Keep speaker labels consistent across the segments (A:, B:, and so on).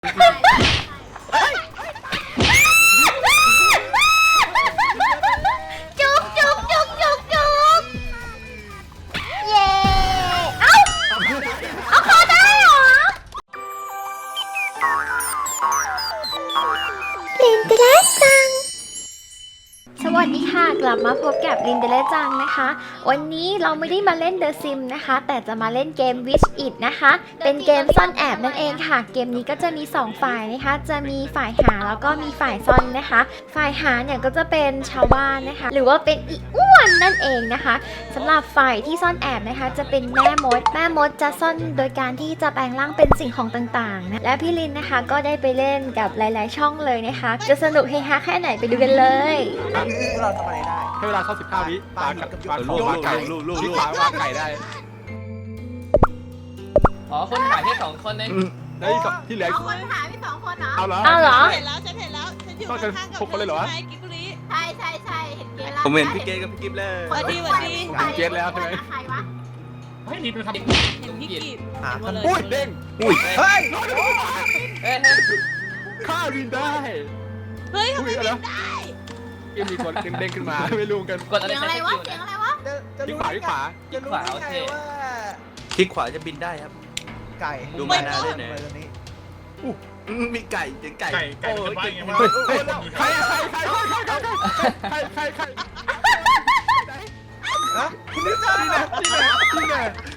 A: จุกจุกจุกจุกจุกเย้เอาคอได้เหรอลินเดเลจังสวัสดีค่ะกลับมาพบกับลินเดเลจังนะคะวันนี้เราไม่ได้มาเล่น The Sims นะคะแต่จะมาเล่นเกม Wish It นะคะเป็นเกมซ่อนแอบนั่นเองค่ะเกมนี้ก็จะมี2ฝ่ายนะคะจะมีฝ่ายหาแล้วก็มีฝ่ายซ่อนนะคะฝ่ายหาเนี่ยก็จะเป็นชาวบ้านนะคะหรือว่าเป็นอีอ้วนนั่นเองนะคะสำหรับฝ่ายที่ซ่อนแอบนะคะจะเป็นแม่มดจะซ่อนโดยการที่จะแปลงร่างเป็นสิ่งของต่างๆนะและพี่ลินนะคะก็ได้ไปเล่นกับหลายๆช่องเลยนะคะจะสนุกเฮฮาแค่ไหนไปดูกันเลย
B: เราทำอะไรได้
C: ให้เวลาเข้า15 วิปลาลูกไก่ลูกปลาวางไก่ได้
D: อ๋อคนขายแค่2 คนเอง
C: แล้วที่เหลือ
A: เอาคนหาพี่2 คนเหรอ
C: เอาเหรอ
A: เห็นแล้ว
E: ฉันอยู่ข้างๆกับ
C: คนเลยเหรอ
E: กิบุรี
A: ใช่เห็นเกมแล้ว
B: ผมเห็นพี่เกดกับพี่กิฟเลย
E: สวัสดี
C: เกดแล้วใช่ไหม
A: ใครวะ
D: เฮ้ยนี่เป็นคำ
E: เห็นพี่กิบ
C: อุ้ยเด้ง
B: อุ้ยเฮ้ย
C: ฆ่าวินได้
E: เฮ้ยทำไมบินได้
C: ยังมีคนเด้งขึ้นมาไม่รู้กัน
D: กดอะไร
A: เสียงอะไรวะ
C: ที่ขวา
D: ขวาโอเค
B: คลิกขวาจะบินได้ครับไก่ดูมานาได้ไหนมีไก่เสียงไก่
C: โอ้ยใคร
B: ฮะคุณนี่จ้านี่ไง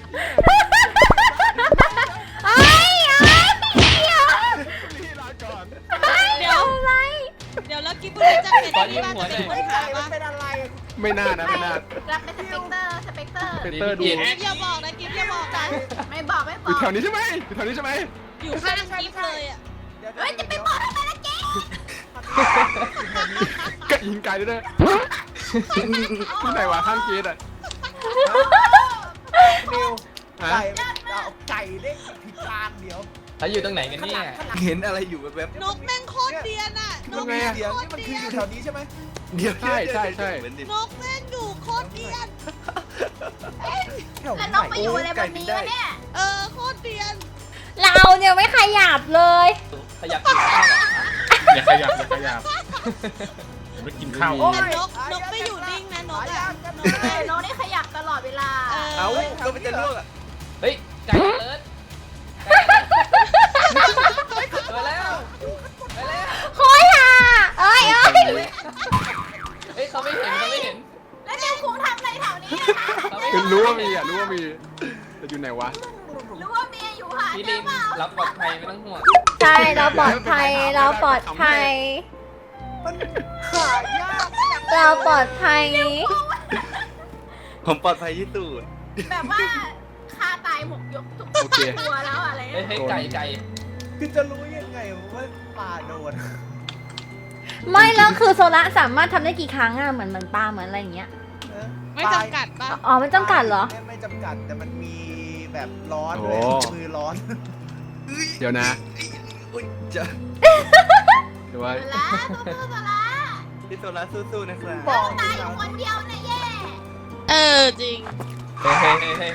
E: เดี๋ยวแล้วกิบุรีจะเป็นที่บ้านจะเป็นคนขายว่าเป็นอะไร
C: ไม่น่านะไม่น่า
A: รับเป็นสเปกเตอร์
C: ดู
E: กิฟอย่าบอกนะกิฟอย่าบอกนะ
A: ไม่บอก
C: อยู่แถวนี้ใช่ไหม
E: อยู่ข้างกิฟเลยอ่ะ
A: เฮ้ยจะไปบอกทำไมล่ะเจ๊
C: ก็ยิงไก่ด้วยที่ไหนวะข้างเกดอ่ะ
B: นิวไก่เด้งผิดทางเดี๋ยว
D: เขาอยู่ตรงไหนกันเนี่ย
B: เห็นอะไรอยู่แบบ
E: นกแม่งโคตรเดียนอ่ะ
B: นกเดียนนี่มันคืออยู่แถวนี้ใช่ไหมเดี๋ยว
C: ใช่
E: นกแม่งอยู่โคตรเดียน
A: แล้วนกไปอยู่อะไรบนนี้วะเนี่ย
E: โคตรเดียน
A: เราเนี่ยไม่ขยับเลย
D: ขยับอยู่
C: อย่าขยับไม่กินข้าว
E: แต่นกไม่อยู่นิ่งนะนกอ่ะ
A: นกได้ขยับตลอดเวลา
B: เอาก็เป็นจะลวกอ่ะ
D: เฮ้ยไก่เลิศไปแล้ว
A: โค้ยค่ะเอ้ย
D: เขาไม่เห็น
A: แล้วนิวคุงทำอะไรแถวนี้
C: รู้ว่ามีแต่อยู่ไหนวะ
A: รู้ว่ามีอยู่หา
D: พี่ลินรับปลอดภัยไม่ต้องห่วง
A: ใช่เราปลอดภัย
B: มันหายาก
A: เราปลอดภัย
B: ผมปลอดภัยที่สุด
A: แบบว่าฆ่าตายหมกยกทุกตัวแล้วอะไร
D: ให้ไก่
B: คือจะรู้ยังไงว่าปลาโดน
A: ไม่แล้วคือโซล่าสามารถทำได้กี่ครั้งอะเหมือนปลาเหมือนอะไรอย่างเงี้ย
E: ไม่จำกัดป่ะ
A: อ๋อไม่จำกัดเหรอ
B: ไม่จำกัดแต่มันมีแบบร้อนเลยมือร้อน
C: เดี๋ยวนะ
B: เดี๋ยวว่าพี่โซล่าสู้ๆนะครับ
A: บอกตายอยู่คนเดียวนะเย่
E: จริง
D: เฮ้ย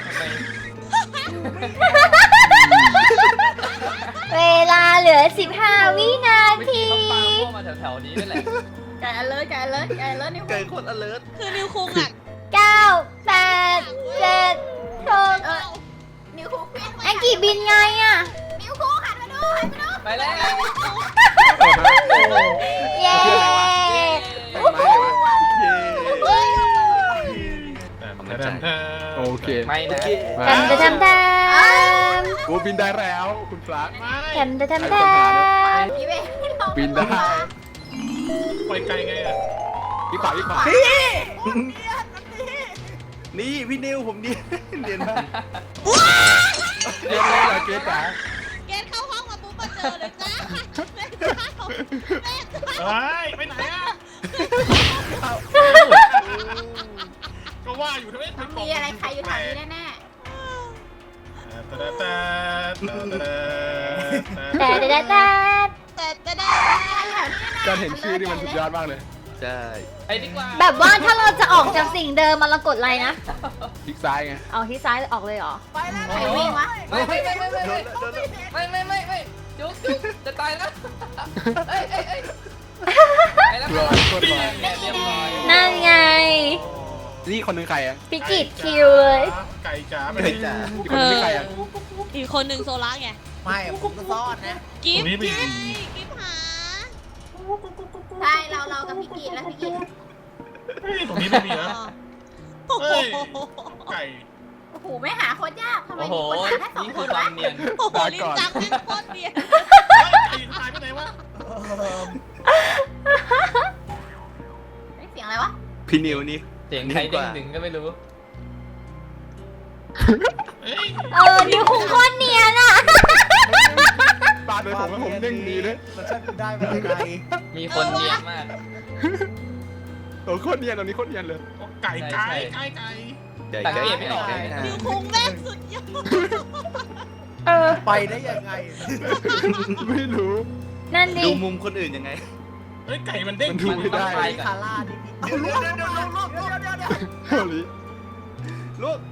A: เวลาเหลือ15 วินาที
D: มาแถวนี้นั่นแหละ
A: ไก่ alert นิว
B: ไก่คน alert
E: คือนิวคุงอ่ะ
A: 9 8 7 6นิวคุงไอ้กี่บินไงอ่ะนิวคุงหันมาดู
D: ไปแล้ว
A: เย้
C: โอเค
D: ไม่นะ
A: ทำ
C: กูบินได้แล้วคุณพระ
A: ทำ
C: บินได้ไปไกลไงอ่ะพี่ขวา
B: นี่พี่นิวผมเรียนมา
C: เรียนอะไรเกดจ๋า
E: เกดเข้าห้องมาปุ๊บมาเจอเลยจ้า
C: ไปไหนอ่ะก็ว่าอยู่ทำไม
A: มีอะไรใครอยู่แถวนี้แน่
C: การเห็นชื่อนี่มันสุดยอดมากเลย
B: ใช่
D: ไปดีกว่า
A: แบบว่าถ้าเราจะออกจากสิ่งเดิมมันเรากดอะไรนะ
C: คลิกซ้ายไง
A: เอาที่ซ้ายออกเลยเหรอไปแล้วใครวิ่งวะ
D: ไม่จุ๊บจะตายแล้วเอ้ยไปแล้ว
C: รอ
D: ไป
C: กดรอ
D: เนี่ยเรียบร้อย
A: นั่นไง
C: นี่คนหนึงใครอ่ะ
A: พิกิตคิวเลย
F: ไก่จ๋าไป
B: ไก่จ๋า
C: อีกคนหนึงใครอ่ะ
E: อีกคนหนึ่งโซล่าไง
G: ไม่ผมก็ซ่อนนะ
E: กิฟต์กิฟต์หา
A: ใช่เรากับพิกิตแล้วพิกิต
F: เฮ้ยตรงนี้ไม่มีนะ
E: โอ้โห
F: เฮ้ย ไก่
A: โอ้โหไม่หาโคตรยากทำไม
D: โอ้โห
A: มีคนหาแค่สอง
D: นี่
A: ค
D: คือน ควาว
A: ะ
D: มเนียน
E: โอ้โหลิ้นจังแม่งโคตรเนียน
F: ไก่หายไปไหนวะ
A: เสียงอะไรวะ
B: พี่นิวนี่
D: เสียงใครดึงดึงก็ไม่รู้
F: เอ้ย
A: นิวคงโคตรเนียนอ่ะ
C: ปาดเลยผมว่าผมเด้งดีด้วย
G: มันช่างกูได้มาไกล
D: มีคนเนียนมาก
C: โอ้โคตรเนียนตรงนี้โคตรเนียนเลย
F: ไก่ไก่ไก่ไก่
D: สังเกตไม่ออกเลย
E: นิวคุงแม่งสุดยอด
G: ไปได้ยังไง
C: ไม่รู้
A: นั่นดิ
B: ดูมุมคนอื่นยังไง
F: เฮ้ยไก่มันเด้ง
C: มันดูไม่ได้
D: ไป
G: คาร่านี่พี่
B: เดี๋ยว
C: เฮ้ย
B: ลูก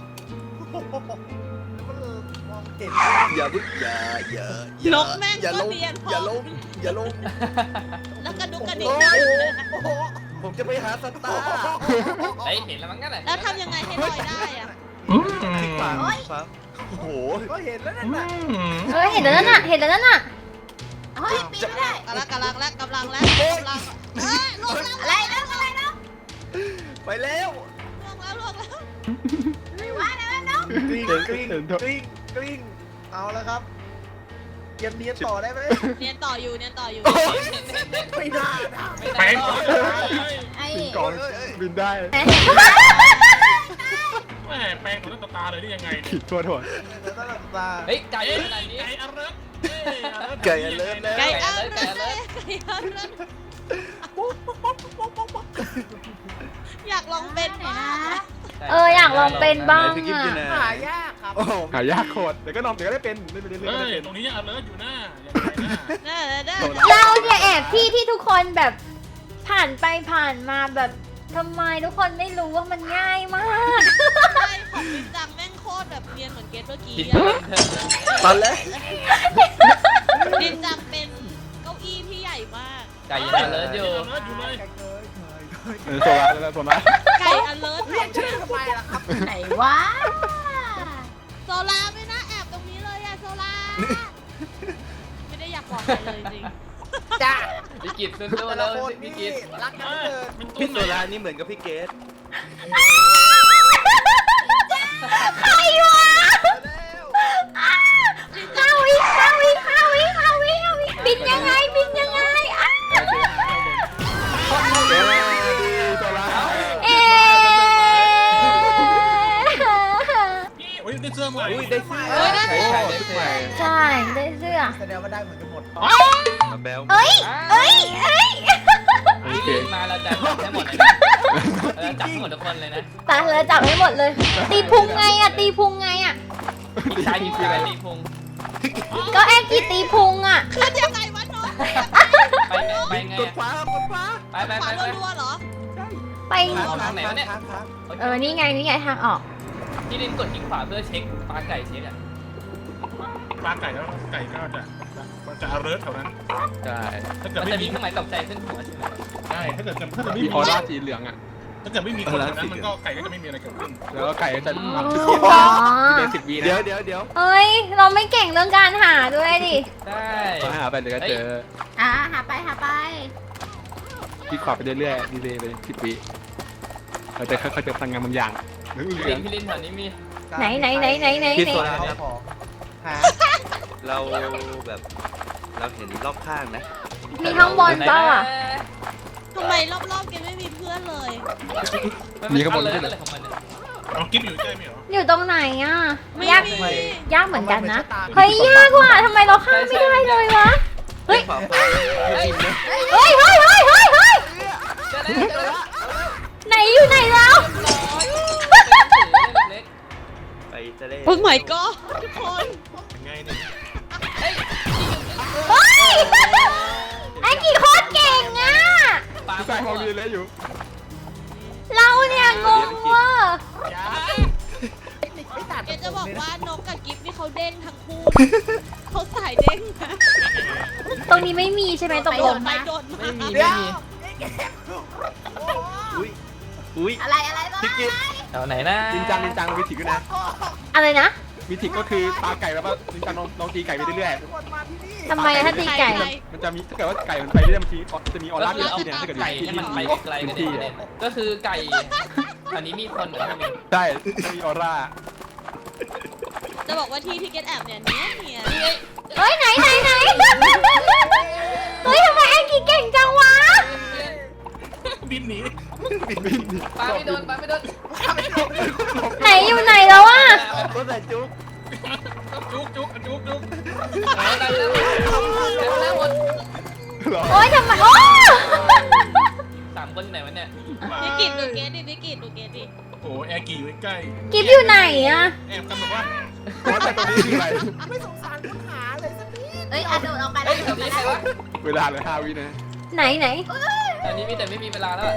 G: มองเห็น
B: อย่าพึ่งอย่าน
E: กแม่ง
B: อย่า
E: ก็
B: ลง
E: เนียนพอ
B: อย่าลงอย่าลง
E: แล้วกระดุกกระดิก
B: โอ้
E: ได้
B: โห
E: เลย
B: โอ้โหผมจะไปหาสตาร์
D: เฮ้ยเห็นแล้วมั้งงั้นแหละ
E: แล้วทำยังไงให้ลอยได้อะ
B: คลิกขวาครับโอ้โห
G: ก็เห็นแล้วนั่นน่ะ
A: เห็นแล้วนั่นน่ะเห็นแล้วนั่นน่ะเฮ้ยปีนไม่ได้
E: กำลังเอ้ยลวงแล้ว
A: อะไรแล้วอะไรแล้ว
B: ไปแล้ว
E: ลวงแล้ว
A: ไม่ว่าแล้วน้อง
G: กลิ้งกลิ้งกลิ้งกลิ้งเอาแล้วครับเกมนี้ต่อได้ไหม
E: เนียนต่ออยู่
G: ไม่น่านะ
F: แป้งก่อน
A: ไอ้
C: บินกองบินได้
F: แม่แป้งของตาเลยได้ยังไง
C: ผิดตัวถ่วง
G: แล้วก็ตา
D: เฮ้ยไก่
F: ไก่
D: ขนาดนี้
F: ไก่อเลิร์
B: ไก่เลิศแล้ว
E: ไก่
D: ไก่
E: เอา
D: ไก่เลย
E: อยากลองเป็นนะ
A: อยากลองเป็นบ้าง
B: พี่กิ๊ฟอยู่ไหน
G: หายากครับ
B: โอ้โห
C: หายากโคตรเดี๋ยวก็นอนเดี๋ยวก็ได้เป็นเล่นไปเรื่อยๆก็
F: เฮ้
C: ได้
F: ย
C: เป็น
F: ตรงนี้ยังอเลิร์อยู่หน้ายังไงหน้า
A: เราเนี่ยแอบที่ทุกคนแบบผ่านไปผ่านมาแบบทำไมทุกคนไม่รู้ว่ามันง่ายมาก
E: ใช่ของลิ้นจังแม่งโคตรแบบเนียนเหมือนเกตเมื่อกี้
D: คิด
E: อะ
D: ว่าเป็นเธอ
B: ตอนแรก
E: ลิ้นจังเป็นเก้าอี้ที่ใหญ่มาก
D: ไก่ยังเลิศอยู่
F: อเลิร์อยู่เลย
C: โซล่าแล้วโซล่า
E: ไก่อเลิร์
G: เรียกชื่อทำไมล่ะครับ
A: ไหนวะ
E: โซลาไม่น่าแอบตรงนี้เลยอะโซลาไม่ได้อยากบอกใครเลยจริง
G: จ้า
D: พี่กิตสู้
G: แต่
D: ๆ
G: ละ
D: แล้ว
G: คน
D: พี่
G: นี่
D: กิต
G: รักกันเกิน
B: พี่โซลานี่เหมือนกับพี่เกส
A: ใครวะ
B: แล้ว
A: 5 วิบินยังไงอ่ะ
C: เดี๋ยวโซล่า
A: เอ๊ะ
F: พี่โอ้ยได้เสื้อใหม่
B: อุ้ยได้เสื้อ
D: ใช่ใช่ได้เสื้อ
A: ใช่ได้เสื้อ
G: แสดงว่าได้เหมือนกันหมด
B: มาแบล
A: เอ้ย
C: โอเค
D: มาเราจับให้หมดเลยนะเราจับให้หมดทุกคนเลยนะ
A: ตาเลยจับให้หมดเลย ตีพุงไงอ่ะ ตีพุงไงอ่ะ
D: พี่ชายพี่ชายตีพุง
A: ก็แอคกีตีพุงอ่ะ
E: ขึ้นยังไงวะน้อง
D: ไปไง
B: กดฟ้ากดฟ้า
D: ไปไป
E: ข
D: ไป
E: วา
D: ไป
E: รัวๆเหรอ
A: ไป
D: ทางไหนวะเนี่ย
A: นี่ไงทางออก
D: พี่ลินกดคลิกขวาเพื่อเช็คปลาไก่เช็คอ่ะ
F: ปลาไก่แล้วไก่ก็จะอเลิร์แถวนั้น
C: ใช่
F: ถ้าเกิด
D: มัน
F: ไม่
D: จะมี
F: มี
D: เครื่องหมายตกใจขึ้นหัวใช่ไหม
F: ใช่ถ้าเกิดไม่
C: มี
F: มี
C: ออร่าสีเหลืองอ่ะ
F: ถ้าเกิดไม่มีคนนั้นมันก็ไก่ก็จะไม่มีอะไรเกิดขึ้น
C: แล้วก็ไก่ก็จะทำชุด
A: อ๋อ
C: เดียว10 วินะ
B: เดี๋ยว
A: เอ้ย เราไม่เก่งเรื่องการหาด้วยดิ
D: ใช่
C: หาไปเดี๋ยวก็เจอ
A: หาไป
C: คลิกขวาไปเรื่อยๆดีเลยไป10 วิเราจะค่อยๆเจอพลังงานบางอย่างเหลื
D: พี่
C: อง
D: ลินแถวนี้มี
A: ไหน
B: พี่โซลา
G: เอา
B: ครับ
G: ของหา
B: เราแบบเราเห็นรอบข้างนะ
A: มีข้างบนเปล่าอ่ะ
E: ทำไมรอบๆเกมไม่มีเพื่อนเลย
D: มีข้างบนเลยอะไรของมันเนี่ย
F: เอากิ๊บอยู่ใกล้ไหมเหรอ
A: อยู่ตรงไหนอ่ะ
E: ไม่
A: ยาก
E: มี
A: ยากเหมือนกันนะ เฮ้ย ยากว่ะทำไมเราข้ามไม่ได้เลยวะ เฮ้ย
B: ขวาฟ้า
D: เฮ้ย
A: เฮ้ย
D: เจอแล้ว
A: ไหนอยู่ไหนแล้ว
D: เล็ก
B: ไปทะเล
E: โอ้ my god ทุกคน
F: ยังไงเนี่ย
D: เฮ้ย
A: เฮ้ย ไอ้กี่โคตรเก่งอ่ะ
D: ปลา
C: ๆใส่ของดีเลยอยู่
A: เราเนี่ยงงว่ะ
G: ไม่ตัด
E: เกจะบอกว่านกกับกิฟนี่เขาเด้งทั้งคู่เขาสายเด้งนะ
A: ตรงนี้ไม่มีใช่ไหมตกลง
E: ไปโดน
D: ไม่มี
G: เดี๋
D: ไม่
G: ยว
D: มี
B: อุ้ย
H: อะไรอะไรบ้าง
B: พี่กิต
D: แถวไหนนะ
C: นินจังวิถิกด้วยนะ
A: อะไรนะ
C: วิถิกก็คือปลาไก่แล้วก็นินจังลองตีไก่ไปเรื่อย
G: คนมาที่นี่
A: ทำไมอะถ้าตีไก่
C: ๆมันจะมีถ้าเกิดว่าไก่มันไปเรื่อยๆบางทีจะมีออ
D: ก็
C: ร่า
D: คือ
C: เกิด
D: เอา
C: ขึ้นเนี่ยถ้าเกิด
D: ไก่
C: ที่
D: ให้มัน
C: ที่
D: ไปไกลๆ
C: พื้
D: กัน
C: นที่
D: เนี่ยก็คือไก่อันนี้มีคนเหรอพี่
C: ใช่จะมีออร่า
E: จะบอกว่าที่ที่เกตแอบเนี่ยเนี่ย
A: เฮ้ยไหนเฮ้ยทำไมแองกี้เก่งจังวะ
F: บินหนี
D: ปลาไม่โดนปลาไม่โดน
A: ไหนอยู่ไหนแล้วอะ
B: ก็ใส่จุ๊บ
F: จุก
D: เอาได้แล้วแล้วหมด
A: โอ๊ยทำไมโอ้
D: 3 คนไหนวะเนี่ย
E: พี่กิตดูเกตดิพี่กิตดูเกตดิ
F: โอ้แอร์กี่อยู่ใกล้
A: กิฟอยู่ไหนอะ
F: แอบกันแบบว่า
C: ว่าแต่ตรงนี้คืออะไร
G: ไม่สงสารคนหาเลยสักนิด
H: เอ้ยโดดออกไป
D: เฮ้
H: แล้
D: ยว แถวนี้ใครวะ
C: เวลาเลย5 วินะ
A: ไหน
D: อันนี้มีแต่ไม่มีเวลาแล้วอะ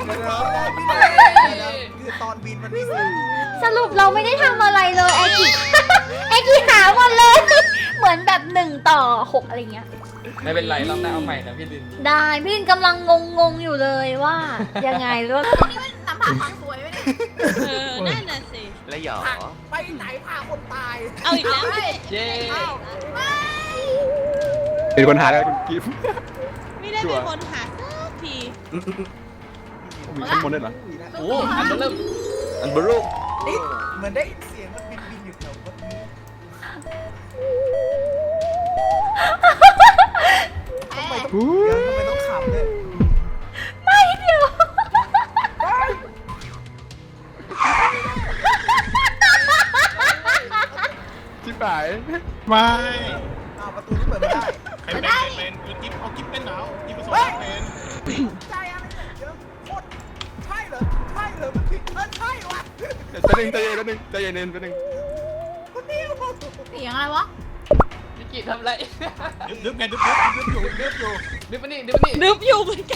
G: คือตอนบินมันไม่สิ้น
A: สรุปเราไม่ได้ทำอะไรเลยแองกี้ แองกี้หาหมดเลย เหมือนแบบ1:6อะไรเงี้ย
D: ไม่เป็นไรรอบหน้าเอาใหม่นะพี่ลิน
A: ได้พี่ลินกำลังงงอยู่เลยว่า ยังไงหรือว่า
H: นี่มันนำพาความสวยไหมเนี่ย
E: นั่นน่ะสิ
B: แล้วหยอ
G: ไปไหนพาคนตาย
E: เอาอีกแล้วพี่
D: เย้
C: เป็นคนหาแล้วคุณกิฟต์
E: ไม่ได้เป็นคนหาสักที
C: มีข้างบนด้วยเหรอ
D: โอ้อันเริ่ม
B: อันบรู
G: นี่เหมือนได้ยินเสียงมันบินอยู่แถวเมื่อกี้ทำไมต้องขำเนี่ย
A: ไม่เดี๋ยว
C: ชิบหาย
F: ไม่
G: อ้าวประตูนี่เปิดไม่ได้
F: ใครเป็นกิ๊บเอากิ๊บเป็นหนาวกิ๊บผสมเป็น
G: ใจอะไรเนี่ยเยอะโคตรใช่เหรอมันผิดใช่วะ
C: ใจเย็นใจเย็นแป๊บนึง
G: คนเดียว
H: เสียงอะไรวะ
D: พี่กิตทำไร
F: ดึบไงดึบอยู่
D: ดึบมานี่ดึบมานี่
E: นึบอยู่เหมือนกัน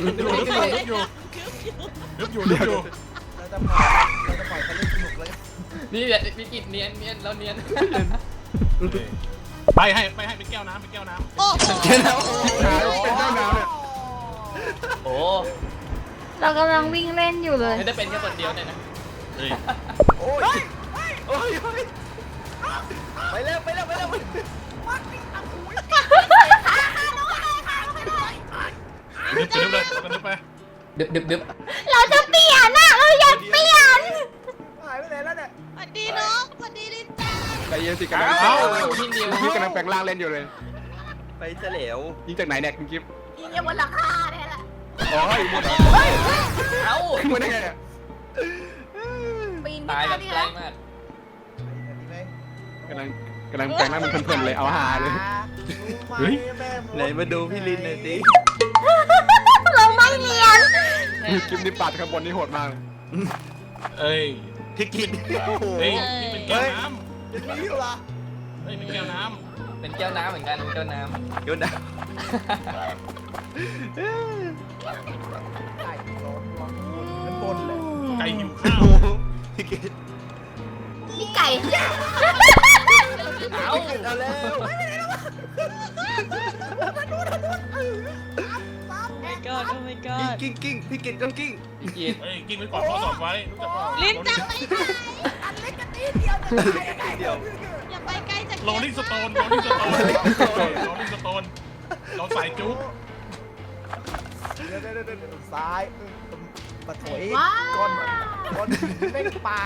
G: เราจะปล่อยเขาเล่นสนุกเลย
D: นี่แหละพี่กิตเนียนเราเนียน
F: ไปให้เป็นแก้วน้ำ
E: โอ้โห
C: ชิบหายเป็นเจ้าน้ำเนี่ย
D: โอ้
A: เรากำลังวิ่งเล่นอยู่เลย
D: ไม่ได้เป็นแค่คนเดียวเนี่ยนะ
B: โอ้ยโอ้ยไปเร็ว
F: ดึบไป
D: ดึบ
A: เราจะเปลี่ยนอะเราอยากเปลี่ยน
G: หายไปไหนแล้วเนี่ย
E: สวัสดีน้องสวัสดีลินจ้า
C: ใจเย็นสิกำลัง
D: เอ้าพี่นิว
C: คุณกิฟต์กำลังแปลงร่างเล่นอยู่เลย
B: ไปเฉลว
C: ยิงจากไหนเนี่ยคุณกิฟต์
H: ยิงยังบนหลังคาเนี่ยแหละ
C: อ๋ออยู่บนเหรอ
D: เอ้า
C: ขึ้นมาได้ไงเนี่ย
H: ปีน
D: ตายแบบ
H: นี่
D: ใกล้
H: นะ
D: มาก
C: กำลังแปลงร่างเป็นเพลินๆเลยเอาหาเลย
B: ไหนมาดูพี่ลินหน่อยสิ
A: เราไม่เรียน
C: กิฟต์นี่ปัดข้างบนนี่โหดมากเลย
F: เอ้ย
B: พี่กิต
F: เฮ้ยนี่เป็นแก้วน้
G: ยังมีอยู่เหรอ
F: ำเฮ้ยเป็นแก้วน้
D: เป็นแก้วน้ำเหมือนกันแก้วน้
B: โยนดาว
G: ไก่ร้อนมันบนเลย
F: ำไก่หิวข้าว
B: พี่กิต
H: นี่ไก่
D: ำเอ้า
B: เอาแล้ว
E: my god oh my god
B: กิ้งพี่กิตต้องกิ้ง
D: พี่กิต
F: เฮ้ยกินไว้ก่อนข้อสอบไว้รู้จักเปล่า
E: ลินจ้าไปไหน
G: อันเล็กกระตีเดียว
B: เดียว
E: อย่าไปใกล้จาก
F: โรลลิ่งสโตนเราใส่จุ๊บ
G: เดี๋ยวซ้ายปะถอย
H: ว้า
G: ก้อนเล่นปลา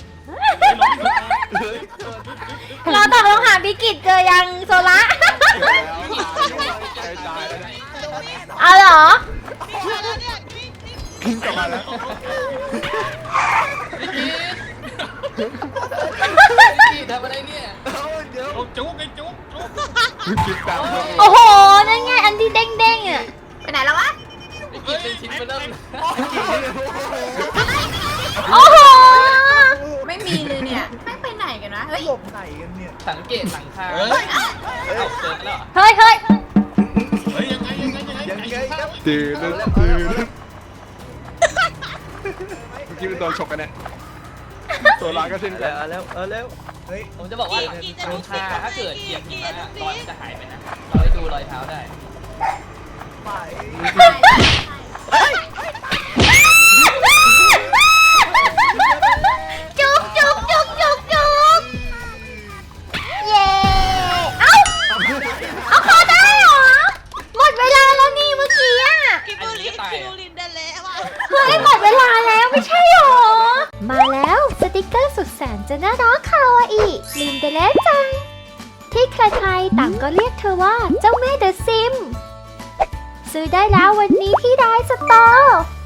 A: เราตกลงหาพิกิจเจอยังโซละ
C: ใจตายแล้วนะ
A: เอาเหรอ
E: นี่มาแล้วเนี่ยนี่
C: กิ้งกลับมาแล้ว
D: พี่กิตพี่กิตทำอะไรเนี่ย
B: เดี๋ยว
F: จุ๊บไอ้จุ๊บ
C: กิฟต์ตามเลย
A: โอ้โห นั่นไงอันที่เด้งๆอ่ะ
H: ไปไหนแล้ววะ
D: พี่กิตเป็นชิ้นเบอร์เริ่ม
A: โอ้โห
H: ไม่มีเลยเนี่ยไม่ไปไหนกันนะเฮ้ย
G: หลบไหนกันเนี่ย
D: สังเกตหลังคา
F: เฮ้ย
D: เอาเจอแล้ว
A: เฮ้ย
F: เฮ้ยยังไง
B: ครับ
C: ตื่นตื่นเมื่อกี้เป็นตัวฉกกันเนี่ยตัวร้ายก็เช่นกัน
B: เอาแล้ว
G: เฮ้ย
D: ผมจะบอกว่า
E: กี่จะ
D: โด
E: ทุ
D: น
E: ก
D: ฆ่า
E: สิ่ง
D: ถ้าเกิด
E: กี่
D: เหยียบหิ
E: กี่
D: มะ
E: จะทุก
D: รอย
E: สิ่
D: มัน
E: ง
D: จะหายไปนะเราให้ดูรอยเท้าได้
G: ไป
A: จุกจุกจุกจุกจุกเย้เอาคอได้เหรอ หมดเวลาแล้วนี่เมื่อกี้อะ
E: คิมูลินเดเลว่ะ
A: เฮ้ยหมดเวลาแล้วไม่ใช่หรอ มาแล้วสติกเกอร์สุดแสนจะน่ารักคาวาอิลินเดเลจัง ที่ใครๆต่างก็เรียกเธอว่าเจ้าแม่เดอะซิม ซื้อได้แล้ววันนี้ที่ไดสตอร์